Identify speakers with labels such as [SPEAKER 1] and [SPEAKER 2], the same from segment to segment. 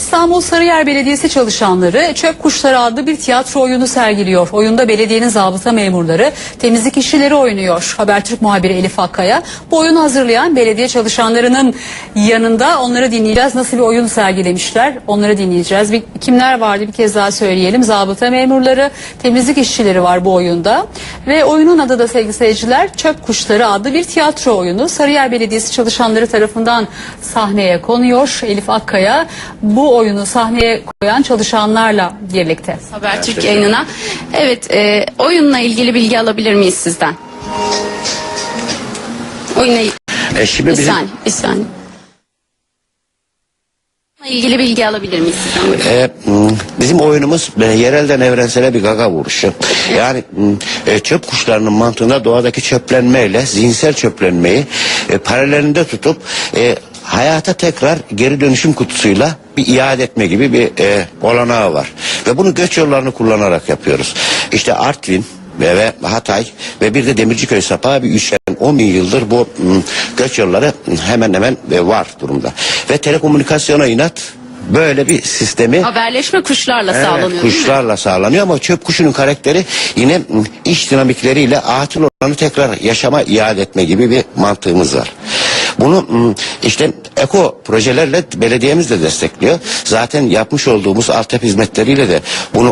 [SPEAKER 1] İstanbul Sarıyer Belediyesi çalışanları Çöp Kuşları adlı bir tiyatro oyunu sergiliyor. Oyunda belediyenin zabıta memurları, temizlik işçileri oynuyor. Habertürk muhabiri Elif Akkaya bu oyunu hazırlayan belediye çalışanlarının yanında, onları dinleyeceğiz. Nasıl bir oyun sergilemişler onları dinleyeceğiz. Kimler vardı bir kez daha söyleyelim. Zabıta memurları, temizlik işçileri var bu oyunda. Ve oyunun adı da sevgili seyirciler Çöp Kuşları adlı bir tiyatro oyunu. Sarıyer Belediyesi çalışanları tarafından sahneye konuyor. Elif Akkaya bu oyunu sahneye koyan çalışanlarla birlikte.
[SPEAKER 2] Habertürk yayınına. Evet, oyunla ilgili bilgi alabilir miyiz sizden? Oyunla
[SPEAKER 3] Şimdi
[SPEAKER 2] bir saniye. Oyunla ilgili bilgi alabilir miyiz sizden?
[SPEAKER 3] bizim oyunumuz yerelden evrensele bir gaga vuruşu. Yani çöp kuşlarının mantığında doğadaki çöplenmeyle zihinsel çöplenmeyi paralelinde tutup hayata tekrar geri dönüşüm kutusuyla bir iade etme gibi bir olanağı var. Ve bunu göç yollarını kullanarak yapıyoruz. İşte Artvin ve Hatay ve bir de Demirciköy sapağı bir üçgen 10 bin yıldır bu göç yolları hemen hemen var durumda. Ve telekomünikasyona inat böyle bir sistemi
[SPEAKER 2] Haberleşme kuşlarla sağlanıyor.
[SPEAKER 3] Kuşlarla sağlanıyor ama çöp kuşunun karakteri yine iç dinamikleriyle atıl olanı tekrar yaşama iade etme gibi bir mantığımız var. Bunu işte eko projelerle belediyemiz de destekliyor. Zaten yapmış olduğumuz altyapı hizmetleriyle de bunu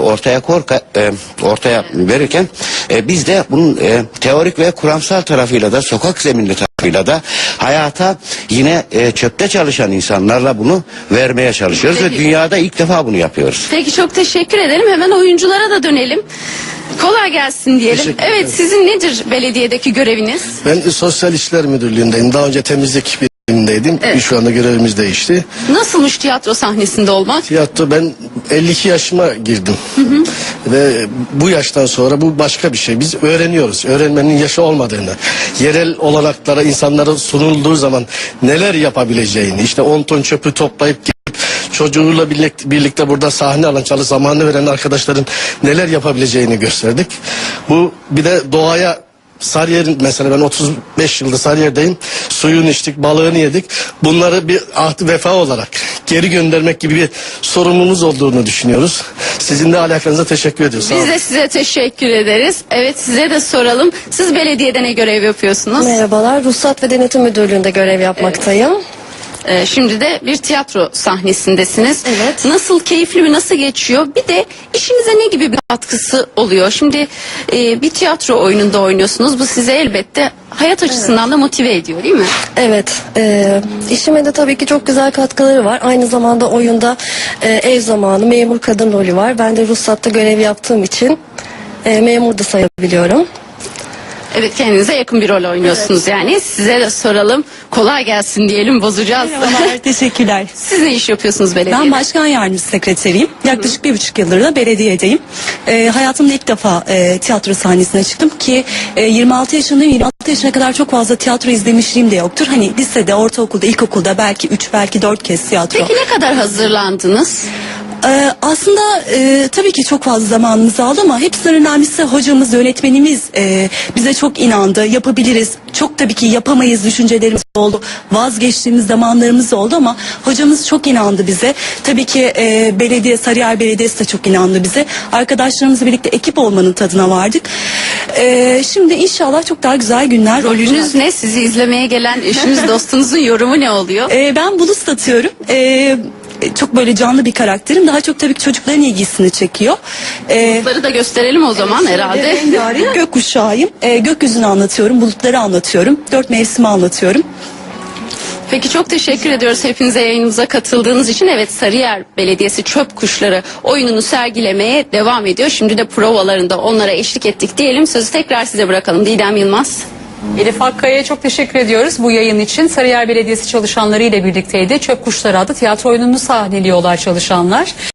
[SPEAKER 3] ortaya verirken biz de bunun teorik ve kuramsal tarafıyla da sokak zeminli tarafıyla da hayata yine çöpte çalışan insanlarla bunu vermeye çalışıyoruz.
[SPEAKER 2] Peki.
[SPEAKER 3] Ve dünyada ilk defa bunu yapıyoruz.
[SPEAKER 2] Peki, çok teşekkür edelim. Hemen oyunculara da dönelim. Kolay gelsin diyelim. Evet, sizin nedir belediyedeki göreviniz?
[SPEAKER 4] Ben Sosyal İşler Müdürlüğü'ndeyim. Daha önce temizlik birimindeydim.
[SPEAKER 2] Evet.
[SPEAKER 4] Şu anda görevimiz değişti.
[SPEAKER 2] Nasılmış tiyatro sahnesinde olmak?
[SPEAKER 4] Tiyatro, ben 52 yaşıma girdim. Ve bu yaştan sonra bu başka bir şey. Biz öğreniyoruz. Öğrenmenin yaşı olmadığını, yerel olanaklara insanlara sunulduğu zaman neler yapabileceğini, işte 10 ton çöpü toplayıp çocuğuyla birlikte burada sahne alan, çalı zamanı veren arkadaşların neler yapabileceğini gösterdik. Bu bir de doğaya, Sarıyer'in mesela ben 35 yıldır Sarıyer'deyim. Suyunu içtik, balığını yedik. Bunları bir ahd-ı vefa olarak geri göndermek gibi bir sorumluluğumuz olduğunu düşünüyoruz. Sizin de alakanıza teşekkür ediyoruz.
[SPEAKER 2] Biz de size teşekkür ederiz. Evet, size de soralım. Siz belediyede ne görev yapıyorsunuz?
[SPEAKER 5] Merhabalar, Ruhsat ve Denetim Müdürlüğü'nde görev yapmaktayım.
[SPEAKER 2] Şimdi de bir tiyatro sahnesindesiniz.
[SPEAKER 5] Evet.
[SPEAKER 2] Nasıl, keyifli mi, nasıl geçiyor? Bir de işinize ne gibi bir katkısı oluyor? Şimdi bir tiyatro oyununda oynuyorsunuz. Bu size elbette hayat açısından da motive ediyor, değil mi?
[SPEAKER 5] Evet, işime de tabii ki çok güzel katkıları var. Aynı zamanda oyunda ev zamanı, memur kadın rolü var. Ben de ruhsatta görev yaptığım için memur da sayabiliyorum.
[SPEAKER 2] Evet, kendinize yakın bir rol oynuyorsunuz yani. Size de soralım. Kolay gelsin diyelim, bozacağız.
[SPEAKER 6] Merhabalar, teşekkürler.
[SPEAKER 2] Siz ne iş yapıyorsunuz belediyede?
[SPEAKER 6] Ben başkan yardımcısı sekreteriyim. Yaklaşık 1,5 yıldır da belediyedeyim. Hayatımda ilk defa tiyatro sahnesine çıktım ki 26 yaşındayım. 26 yaşına kadar çok fazla tiyatro izlemişliğim de yoktur. Hani lisede, ortaokulda, ilkokulda belki 3, belki 4 kez tiyatro.
[SPEAKER 2] Peki ne kadar hazırlandınız?
[SPEAKER 6] Aslında tabii ki çok fazla zamanımız aldı ama hepsinden önemlisi hocamız, yönetmenimiz bize çok inandı. Yapabiliriz. Çok tabii ki yapamayız düşüncelerimiz oldu. Vazgeçtiğimiz zamanlarımız oldu ama hocamız çok inandı bize. Tabii ki Sarıyer Belediyesi de çok inandı bize. Arkadaşlarımızla birlikte ekip olmanın tadına vardık. Şimdi inşallah çok daha güzel günler.
[SPEAKER 2] Rolünüz ne? Sizi izlemeye gelen eşiniz, dostunuzun yorumu ne oluyor?
[SPEAKER 6] Ben bulut satıyorum. Çok böyle canlı bir karakterim. Daha çok tabii ki çocukların ilgisini çekiyor.
[SPEAKER 2] Bulutları da gösterelim o zaman herhalde.
[SPEAKER 6] Rengarenk gökkuşağıyım. Gökyüzünü anlatıyorum, bulutları anlatıyorum. 4 mevsimi anlatıyorum.
[SPEAKER 2] Peki, çok teşekkür ediyoruz hepinize yayınımıza katıldığınız için. Evet, Sarıyer Belediyesi Çöp Kuşları oyununu sergilemeye devam ediyor. Şimdi de provalarında onlara eşlik ettik diyelim. Sözü tekrar size bırakalım. Didem Yılmaz.
[SPEAKER 1] Elif Akkaya'ya çok teşekkür ediyoruz bu yayın için. Sarıyer Belediyesi çalışanları ile birlikteydi. Çöp Kuşları adlı tiyatro oyununu sahneliyorlar çalışanlar.